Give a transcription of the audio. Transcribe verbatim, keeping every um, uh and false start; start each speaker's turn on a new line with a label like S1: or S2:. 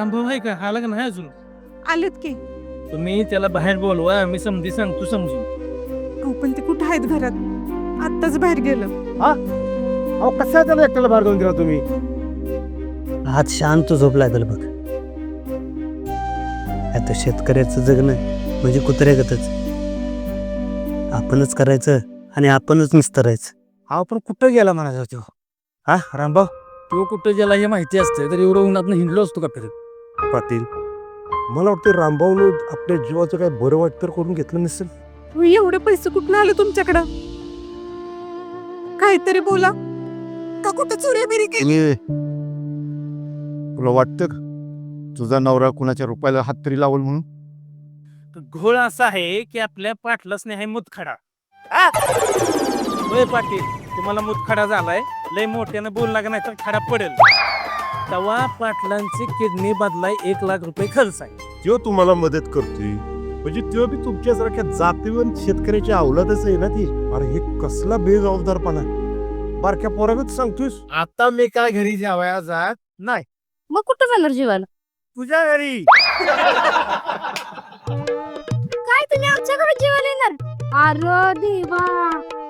S1: रामभाऊ आहे का? आला का नाही अजून?
S2: आलेत की.
S1: तुम्ही त्याला बाहेर बोलवा, मी समजी सांगतो समजू.
S2: अहो पण ते कुठं आहेत घरात? आत्ताच बाहेर गेलं.
S3: अहो कसा त्याला एकट्याला बाहेर घेऊन गेला तुम्ही?
S4: आज शांत झोपलाय त्याला बघ. आता शेतकऱ्याचं जगणं म्हणजे कुत्र्यागतच. आपणच करायचं आणि आपणच निस्तरायचं.
S3: हा पण कुठं गेला म्हणायचा तो? हा रामभाऊ?
S1: तो कुठं गेला हे माहिती असतं तर एवढं उन्हात हिंडलो असतो का फिरत?
S3: पाटील मला वाटतं रामभाऊनं आपल्या जीवाचं काय बरं वाईट तर करून घेतलं नसेल.
S2: अहो, एवढे पैसे कुठून आले तुमच्याकडं? काहीतरी बोला. का कुठं चोऱ्याबिरी केली?
S3: तुला वाटतं का तुझा नवरा कुणाच्या रुपयाला हात तरी लावल म्हणून?
S1: घोळ असा आहे की आपल्या पाटलाच नाही मुतखडा. होय पाटील, तुम्हाला मुतखडा झालाय, लय मोठ्यानं बोल लागा नाही तर खडा पडेल. तेव्हा पाटलांची किडनी बदलाय एक लाख रुपये खर्च आहे.
S3: तो तुम्हाला मदत करतोय म्हणजे तो बी तुमच्यासारख्या जातीवर शेतकऱ्याची अवलादच आहे ना ती. अरे हे कसला बेजबाबदारपणा. बारक्या पोरागत सांगतोयस.
S1: आता मी काय घरी जेवाया जात नाही.
S5: मग कुठं जाणार जेवायला?
S1: तुझ्या घरी.
S5: काय तुम्ही आमच्याकडे जेवायला येणार? अरे देवा,